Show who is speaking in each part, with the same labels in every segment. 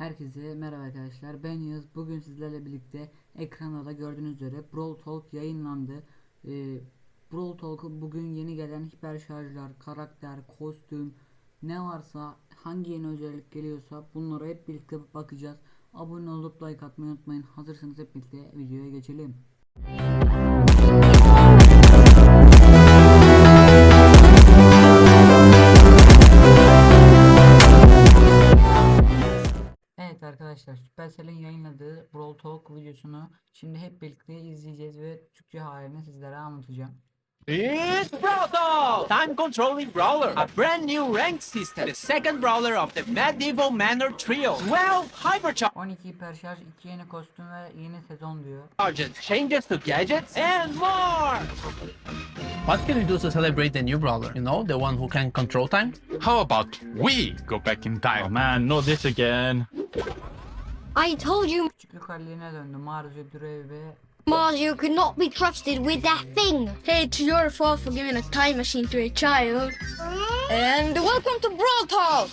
Speaker 1: Herkese merhaba arkadaşlar, ben Yağız. Bugün sizlerle birlikte ekranda da gördüğünüz üzere Brawl Talk yayınlandı. Brawl Talk'u bugün yeni gelen hiper şarjlar, karakter, kostüm ne varsa, hangi yeni özellik geliyorsa bunlara hep birlikte bakacağız. Abone olup like atmayı unutmayın. Hazırsanız hep birlikte videoya geçelim. Evet arkadaşlar, Supercell'in yayınladığı Brawl Talk videosunu şimdi hep birlikte izleyeceğiz ve Türkçe halini sizlere anlatacağım.
Speaker 2: It's Brawl Talk! Time Controlling Brawler, a brand new rank system, the second brawler of the Medieval Manor Trio. 12 Hypercharges,
Speaker 1: 12 hiper şarj, 2 yeni kostüm ve yeni sezon diyor.
Speaker 2: changes to gadgets, and more!
Speaker 3: What can we do to celebrate the new brawler? You know, the one who can control time?
Speaker 4: How about we go back in time?
Speaker 5: Oh man, not this again.
Speaker 6: I told you
Speaker 1: Küçüklük haline döndü. Mario, Durev ve
Speaker 6: Mario could not be trusted with that thing.
Speaker 7: Hey, it's your fault for giving a time machine to a child. And welcome to Brawl Talk!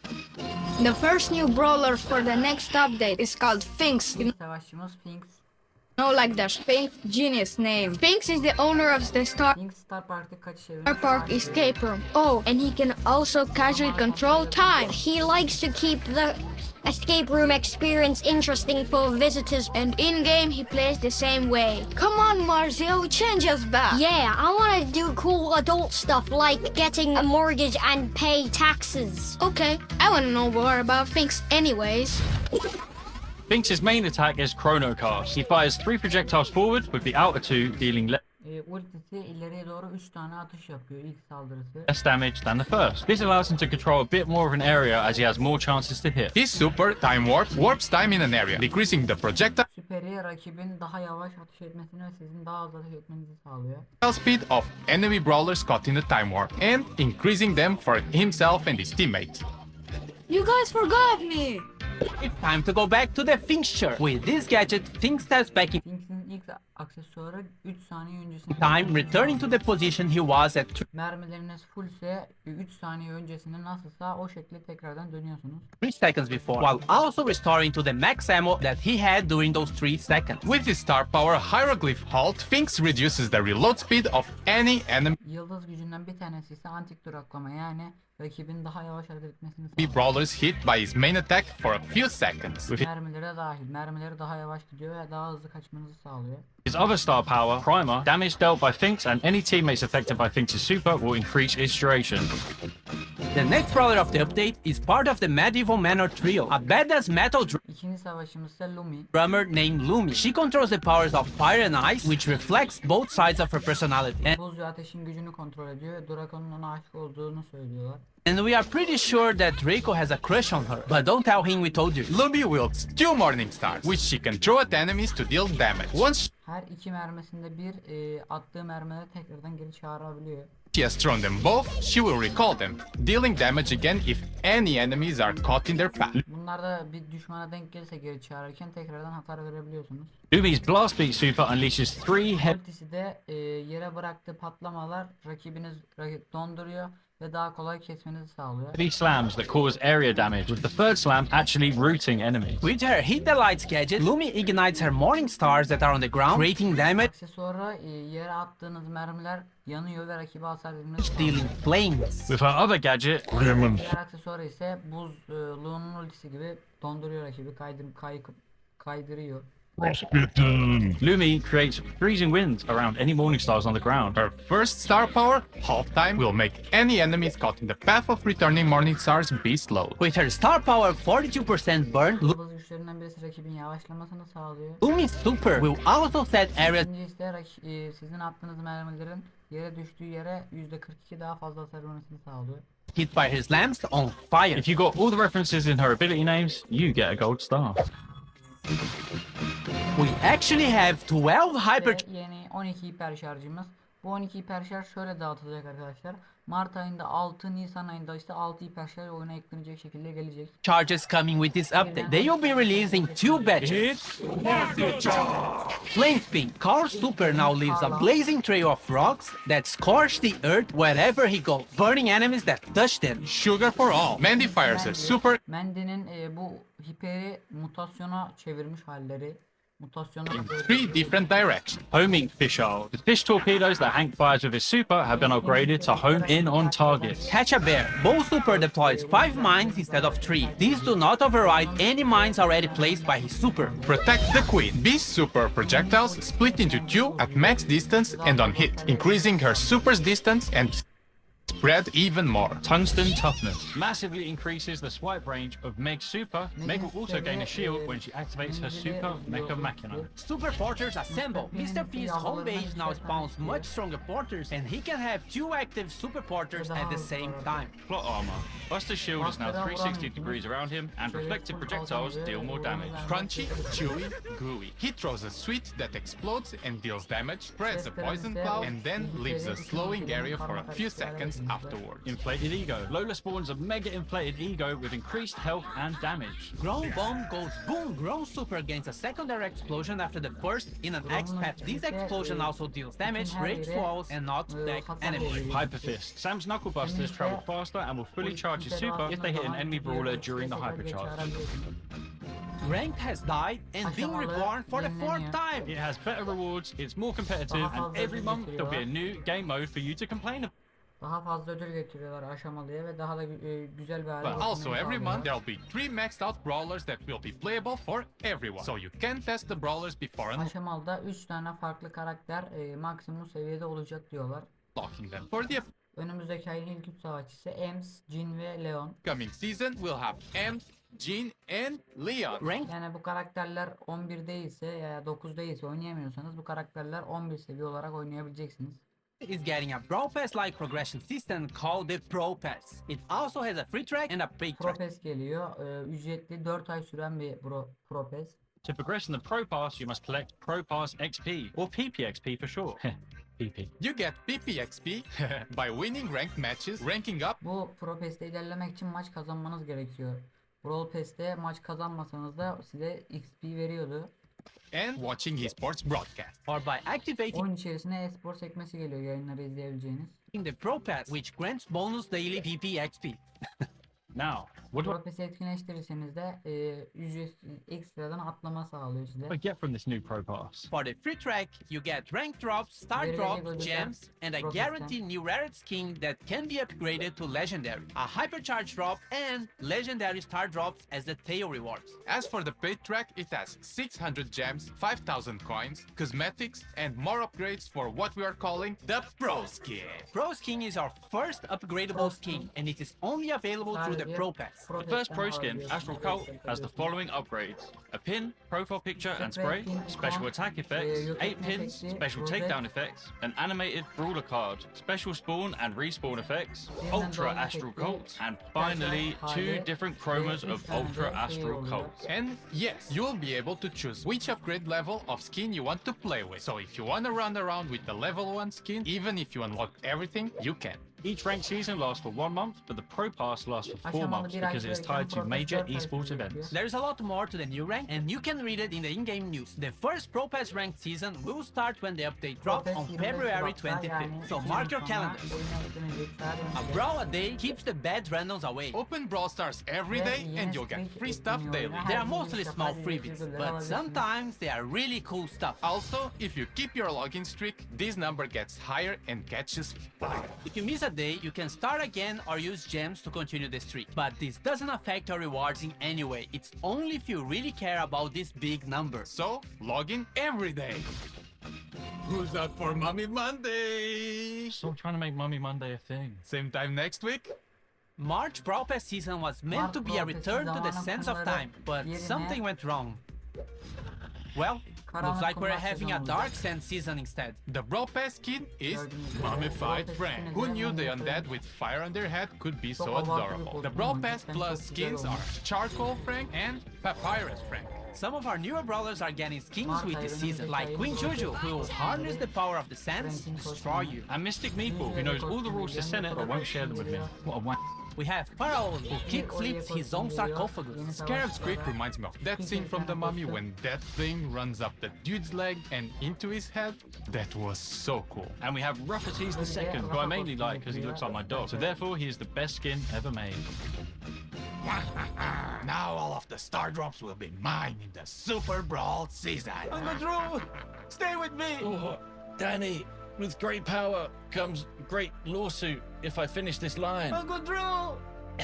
Speaker 7: The first new brawler for the next update is called Sphinx. You
Speaker 1: savaşçımız Finks.
Speaker 7: know, like the Sphinx genius name. Sphinx is the owner of the Star
Speaker 1: Finks Star Park'ta kaçış evine
Speaker 7: Park escape room. Oh, and he can also casually control time.
Speaker 6: He likes to keep the escape room experience interesting for visitors.
Speaker 7: And in-game, he plays the same way. Come on, Marzio, change us back.
Speaker 6: Yeah, I want to do cool adult stuff like getting a mortgage and pay taxes.
Speaker 7: Okay, I want to know more about Sphinx anyways.
Speaker 5: Sphinx's main attack is Chrono Cast. He fires 3 projectiles forward with the outer 2 dealing
Speaker 1: ultisi ileriye doğru 3 tane atış yapıyor ilk saldırısı.
Speaker 5: less damage than the first. This allows him to control a bit more of an area as he has more chances to hit.
Speaker 4: His super time warp warps time in an area, decreasing the projectile
Speaker 1: Süperi rakibin daha yavaş atış etmesini ve sizin daha hızlı atış etmenizi sağlıyor.
Speaker 4: speed of enemy brawlers caught in the time warp, and increasing them for himself and his teammates.
Speaker 7: You guys forgot me.
Speaker 2: It's time to go back to the fixture. With this gadget, Sphinx steps back in
Speaker 1: Finks'in ilk aksesuarı 3 saniye öncesinde
Speaker 2: time, returning to the position he was at
Speaker 1: mermileriniz fullse 3 saniye öncesinde nasılsa o şekilde tekrardan dönüyorsunuz.
Speaker 2: 3 seconds before, while also restoring to the max ammo that he had during those 3 seconds.
Speaker 4: With his star power Hieroglyph Halt, Sphinx reduces the reload speed of any enemy
Speaker 1: Yıldız gücünden bir tanesi ise antik duraklama, yani rakibin daha yavaş hareket etmesini sağlıyor.
Speaker 4: brawlers hit by his main attack for a few seconds.
Speaker 1: Mermilere dahil. Mermileri daha yavaş gidiyor ve daha hızlı kaçmanızı sağlıyor.
Speaker 5: His other star power, Primer, damage dealt by Sphinx and any teammates affected by Sphinx's super will increase its duration.
Speaker 2: The next brawler of the update is part of the Medieval Manor Trio, a badass metal
Speaker 1: İkinci savaşımız ise Lumi.
Speaker 2: drummer named Lumi. She controls the powers of fire and ice, which reflects both sides of her personality.
Speaker 1: Buz ve ateşin gücünü kontrol ediyor ve Draco'nun ona aşık olduğunu söylüyorlar.
Speaker 2: And we are pretty sure that Draco has a crush on her, but don't tell him we told you.
Speaker 4: Lumi wields 2 Morning Stars, which she can throw at enemies to deal damage. Once
Speaker 1: Her iki mermisinde bir attığı mermileri tekrardan geri çağırabiliyor.
Speaker 4: she has thrown them both, she will recall them, dealing damage again if any enemies are caught in their path.
Speaker 1: Bunlarda bir düşmana denk gelirse geri çağırırken tekrardan hasar verebiliyorsunuz.
Speaker 5: Lumi's Blast Beat super unleashes 3 heavy
Speaker 1: Ultisi de yere bıraktığı patlamalar rakip donduruyor ve daha kolay kesmenizi sağlıyor.
Speaker 5: slams that cause area damage, with the third slam actually rooting enemies.
Speaker 2: With her Hit the Lights gadget, Lumi ignites her Morning Stars that are on the ground, creating damage,
Speaker 1: Aksesuara yere attığınız mermiler yanıyor ve rakibe hasar vermenizi sağlıyor.
Speaker 2: dealing flames.
Speaker 5: With her other gadget,
Speaker 1: Diğer aksesuarı ise buzluğunun ultisi gibi donduruyor rakibi, kaydırıyor.
Speaker 5: Lumi creates freezing winds around any Morning Stars on the ground.
Speaker 4: Her first star power, Halt Time, will make any enemies caught in the path of returning Morning Stars be slowed.
Speaker 2: With her star power 42% burn,
Speaker 1: Yıldız güçlerinden birisi rakibin yavaşlamasını sağlıyor.
Speaker 2: Lumi's super will also set area
Speaker 1: İkinci ise sizin attığınız mermilerin yere düştüğü yere %42 daha fazla hasar vermesini sağlıyor.
Speaker 2: hit by her slams on fire.
Speaker 5: If you got all the references in her ability names, you get a gold star.
Speaker 2: We actually have 12 hyper
Speaker 1: Ve yeni 12 hiper şarjımız Bu 12 hiperşarj şöyle dağıtılacak arkadaşlar. Mart ayında 6, Nisan ayında ise 6 hiperşarj oyuna eklenecek şekilde gelecek.
Speaker 2: Charges coming with this update. They will be releasing 2 batches. Flame Spin. Carl Super now leaves a blazing trail of rocks that scorch the earth wherever he goes, burning enemies that touch them.
Speaker 4: Sugar for all. Mandy fires a super
Speaker 1: Mendy'nin bu hiperi mutasyona çevirmiş halleri. Mutasyona
Speaker 4: in 3 different directions.
Speaker 5: Homing Fisheye. The fish torpedoes that Hank fires with his super have been upgraded to home in on targets.
Speaker 2: Catch a Bear. Bo Super deploys 5 mines instead of 3. These do not override any mines already placed by his super.
Speaker 4: Protect the Queen. These super projectiles split into 2 at max distance and on hit, increasing her super's distance and spread even more.
Speaker 5: Tungsten Toughness massively increases the swipe range of Meg's super. Meg will also gain a shield when she activates her super Mecha Machina.
Speaker 2: Super Porters assemble. Mr. P's home base now spawns much stronger porters, and he can have 2 active Super Porters at the same time.
Speaker 5: Plot armor. Buster's shield is now 360 degrees around him, and reflective projectiles deal more damage.
Speaker 4: Crunchy, chewy, gooey. He throws a sweet that explodes and deals damage, spreads a poison cloud, and then leaves a slowing area for a few seconds afterwards.
Speaker 5: Inflated Ego. Lola spawns a mega inflated ego with increased health and damage.
Speaker 2: Grown Bomb goes boom. Grown Super gains a secondary explosion after the first in an X-Path. This explosion also deals damage, breaks walls, and knocks back enemies.
Speaker 5: Hyper Fist. Sam's Knuckle Busters travel faster and will fully charge his super if they hit an enemy brawler during the hypercharge.
Speaker 2: Ranked has died and been reborn for the 4th time.
Speaker 5: It has better rewards, it's more competitive, and every month there'll be a new game mode for you to complain about.
Speaker 1: Daha fazla ödül getiriyorlar aşamalıya ve daha da güzel bir hale
Speaker 4: But also
Speaker 1: getirmeyi
Speaker 4: every month
Speaker 1: sağlıyorlar.
Speaker 4: there'll be 3 maxed out brawlers that will be playable for everyone. So you can test the brawlers before
Speaker 1: Aşamalıda 3 tane farklı karakter maksimum seviyede olacak diyorlar.
Speaker 4: unlocking them. For the
Speaker 1: Önümüzdeki ayın ilk 3 savaşçısı Ems, Jin ve Leon.
Speaker 4: upcoming season, we'll have Ems, Jean, and Leon.
Speaker 2: Ranked
Speaker 1: Yani bu karakterler 11 değilse ya 9 değilse oynayamıyorsanız bu karakterler 11 seviye olarak oynayabileceksiniz.
Speaker 2: is getting a Brawl Pass-like progression system called the Pro Pass. It also has a free track and a paid
Speaker 1: Pro
Speaker 2: track.
Speaker 1: Pass geliyor. Ücretli 4 ay süren bir Pro Pass.
Speaker 5: To progress in the Pro Pass, you must collect Pro Pass XP, or PPXP for short. PP.
Speaker 4: You get PPXP by winning ranked matches, ranking up
Speaker 1: Bu Pro Pass'te ilerlemek için maç kazanmanız gerekiyor. Brawl Pass'te maç kazanmasanız da size XP veriyordu.
Speaker 4: and watching esports broadcast.
Speaker 2: Or by activating
Speaker 1: Oyun içerisine e-spor sekmesi geliyor yayınları izleyebileceğiniz.
Speaker 2: the Pro Pass, which grants bonus daily PPXP.
Speaker 5: Now, what do
Speaker 1: Pro Pass'i etkinleştirirseniz de ücretsiz ekstradan atlama sağlıyor size.
Speaker 5: I get from this new Pro Pass?
Speaker 2: For the free track, you get rank drops, star
Speaker 1: Very
Speaker 2: drops,
Speaker 1: good
Speaker 2: gems, and a
Speaker 1: drop
Speaker 2: guaranteed new rarity skin that can be upgraded to legendary, a hypercharge drop, and legendary star drops as the tail rewards.
Speaker 4: As for the paid track, it has 600 gems, 5,000 coins, cosmetics, and more upgrades for what we are calling the Pro Skin.
Speaker 2: Pro Skin is our first upgradable skin, and it is only available through the Pro Pass.
Speaker 5: The first Pro Skin, Astral Cult, has the following upgrades: a pin, profile picture and spray, special attack effects, 8 pins, special takedown effects, an animated brawler card, special spawn and respawn effects, Ultra Astral Cult, and finally 2 different chromas of Ultra Astral Cult.
Speaker 4: And yes, you'll be able to choose which upgrade level of skin you want to play with. So if you want to run around with the level 1 skin, even if you unlock everything, you can.
Speaker 5: Each ranked season lasts for 1 month, but the Pro Pass lasts for 4
Speaker 1: Aşamalı
Speaker 5: months
Speaker 1: bir
Speaker 5: because it is
Speaker 1: ayda
Speaker 5: tied to
Speaker 1: Pro Pass
Speaker 5: major
Speaker 1: 4 ay
Speaker 5: esports
Speaker 1: sürüyor.
Speaker 5: events.
Speaker 2: There's a lot more to the new rank, and you can read it in the in-game news. The first Pro Pass ranked season will start when the update drops on February 25th, so mark your calendars. A brawl a day keeps the bad randoms away.
Speaker 4: Open Brawl Stars every day and you'll get free stuff daily.
Speaker 2: They are mostly small freebies, but sometimes they are really cool stuff.
Speaker 4: Also, if you keep your login streak, this number gets higher and catches fire.
Speaker 2: If you miss a day, you can start again or use gems to continue the streak. But this doesn't affect your rewards in any way. It's only if you really care about this big number.
Speaker 4: So, log in every day. Who's up for Mommy Monday?
Speaker 5: Stop trying to make Mummy Monday a thing.
Speaker 4: Same time next week?
Speaker 2: March Brawl Pass season was meant to be a return to the sense of time, but something went wrong. Well, Looks like we're
Speaker 1: kumlar
Speaker 2: having
Speaker 1: sezonu
Speaker 2: a
Speaker 1: olacak.
Speaker 2: Dark Sand season instead.
Speaker 4: The Brawl Pass skin is
Speaker 1: Gördüğünüz gibi
Speaker 4: Mummified
Speaker 1: Brawl Pass
Speaker 4: Frank.
Speaker 1: skini
Speaker 4: Who
Speaker 1: de
Speaker 4: knew the
Speaker 1: Mummified.
Speaker 4: undead with fire on their head could be
Speaker 1: Çok
Speaker 4: so
Speaker 1: abartılı bir
Speaker 4: adorable?
Speaker 1: kostüm
Speaker 4: The Brawl
Speaker 1: olmuş.
Speaker 4: Pass
Speaker 1: Cidden
Speaker 4: Plus
Speaker 1: çok güzel
Speaker 4: skins
Speaker 1: olmuş.
Speaker 4: are Charcoal Frank and Papyrus Frank.
Speaker 2: Some of our newer brawlers are getting skins
Speaker 1: Mark
Speaker 2: with this
Speaker 1: Iron'ın
Speaker 2: season, like
Speaker 1: detayını
Speaker 2: Queen
Speaker 1: Brawl
Speaker 2: Juju,
Speaker 1: Pass
Speaker 2: who will
Speaker 1: kostümleri,
Speaker 2: harness the power of the sands
Speaker 1: Frank'in
Speaker 2: to destroy
Speaker 1: kostümü.
Speaker 2: you.
Speaker 5: And Mystic Meeple, who knows all the rules to Senate but won't share them with me. What a wank.
Speaker 2: We have Pharaoh, who kick flips his own sarcophagus.
Speaker 4: Scarab's Creek reminds me of that scene from The Mummy when that thing runs up the dude's leg and into his head. That was so cool.
Speaker 5: And we have Ruffaties the second, who I mainly like because he looks like my dog. So therefore, he is the best skin ever made.
Speaker 4: Now all of the star drops will be mine in the Super Brawl season.
Speaker 5: Uncle Drew, stay with me. Oh, Danny, with great power comes great lawsuit if I finish this line.
Speaker 2: Uncle Drew!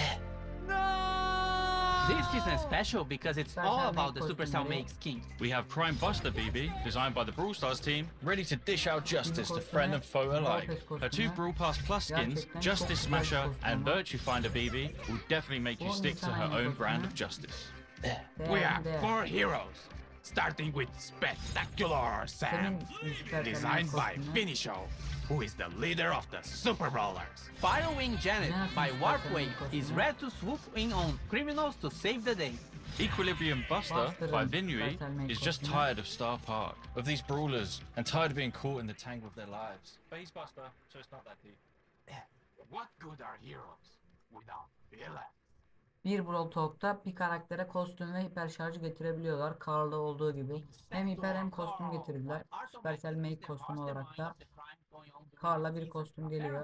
Speaker 2: This season is special because it's all about the Supercell make skins.
Speaker 5: We have Prime Buster BB, designed by the Brawl Stars team, ready to dish out justice to friend and foe alike. Her two Brawl Pass Plus skins, Justice Smasher and Virtue Finder BB, will definitely make you stick to her own brand of justice.
Speaker 4: We have 4 heroes, starting with Spectacular Sam, designed by Finisho, who is the leader of the Super Brawlers.
Speaker 2: Firewing Janet by Warpwave is ready to swoop in on criminals to save the day.
Speaker 5: Equilibrium Buster by Vinui is just tired of Star Park, of these brawlers, and tired of being caught in the tangle of their lives. But he's Buster, so it's not that deep.
Speaker 4: What good are heroes without villains?
Speaker 1: Bir Brawl Talk'ta bir karaktere kostüm ve hiper şarjı getirebiliyorlar. Carl'da olduğu gibi. Hem hiper hem kostüm getirdiler. Supercell Make kostüm olarak da Carl'a bir kostüm geliyor.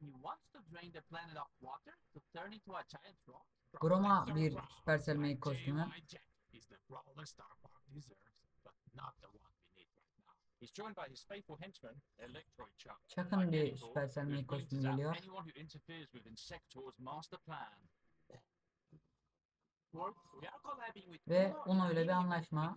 Speaker 1: Grom'a bir Supercell Make kostümü.
Speaker 4: Is the Brawler Star Park deserves, but not the one we need right now.
Speaker 5: He's joined by his faithful henchman, Electroid Chuck.
Speaker 1: Chuck'ın bir Supercell Make kostümü geliyor.
Speaker 5: Anyone who interferes with Insector's master plan.
Speaker 1: Ve Uno ile bir anlaşma.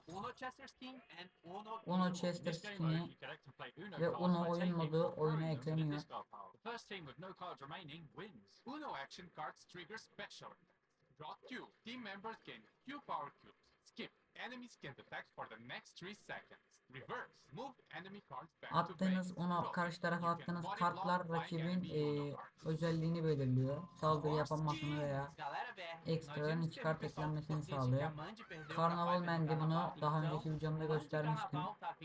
Speaker 1: Uno Chester skin'i ve Uno oyun modu oyuna ekleniyor.
Speaker 5: The first team with no cards remaining wins.
Speaker 4: Uno action cards trigger special attacks. Draw 2. Team members gain 2 power cubes. Skip. Enemies can attack for the next 3 seconds. Reverse. Move enemy cards back to
Speaker 1: Attığınız
Speaker 4: base.
Speaker 1: Uno karşı tarafa attığınız kartlar rakibin özelliğini belirliyor. Saldırı yapamamasını veya ekstradan iki kart eklenmesini sağlıyor. Carnival Man'de bunu daha önceki videomda göstermiştim.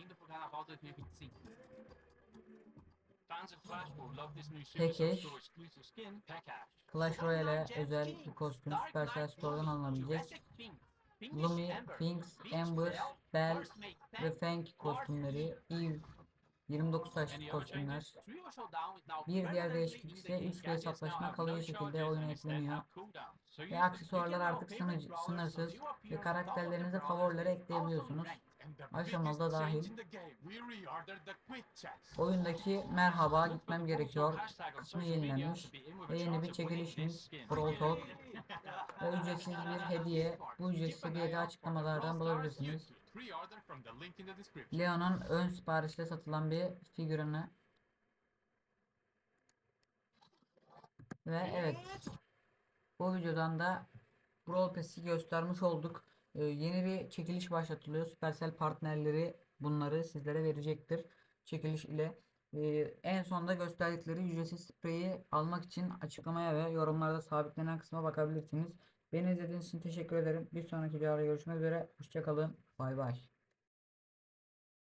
Speaker 5: Fans of Clash will love this new
Speaker 1: Pekeş.
Speaker 5: Supercell Store exclusive skin, Pekash.
Speaker 1: Clash Royale özel bir kostüm Supercell Store'dan alınabilecek. Lumi, Finks, Amber, Bell ve Fang kostümleri, Eve 29 taşlı kostümler. Bir diğer değişiklik ise 3 hesaplaşma kalıcı şekilde oyuna ekleniyor. Ve aksesuarlar artık sınırsız ve karakterlerinize favorilere ekleyebiliyorsunuz. Aşamalı dahil. Oyundaki merhaba gitmem gerekiyor kısmı yenilenmiş ve yeni bir çekilişimiz Brawl Talk ve ücretsiz bir hediye. Bu ücretsiz hediyeyi de açıklamalardan bulabilirsiniz. Leon'un ön siparişle satılan bir figürünü ve evet, bu videodan da Brawl Pass'i göstermiş olduk. Yeni bir çekiliş başlatılıyor. Supercell partnerleri bunları sizlere verecektir. Çekiliş ile en sonda gösterdikleri ücretsiz spreyi almak için açıklamaya ve yorumlarda sabitlenen kısma bakabilirsiniz. Beni izlediğiniz için teşekkür ederim. Bir sonraki videoda görüşmek üzere. Hoşça kalın. Bay bay.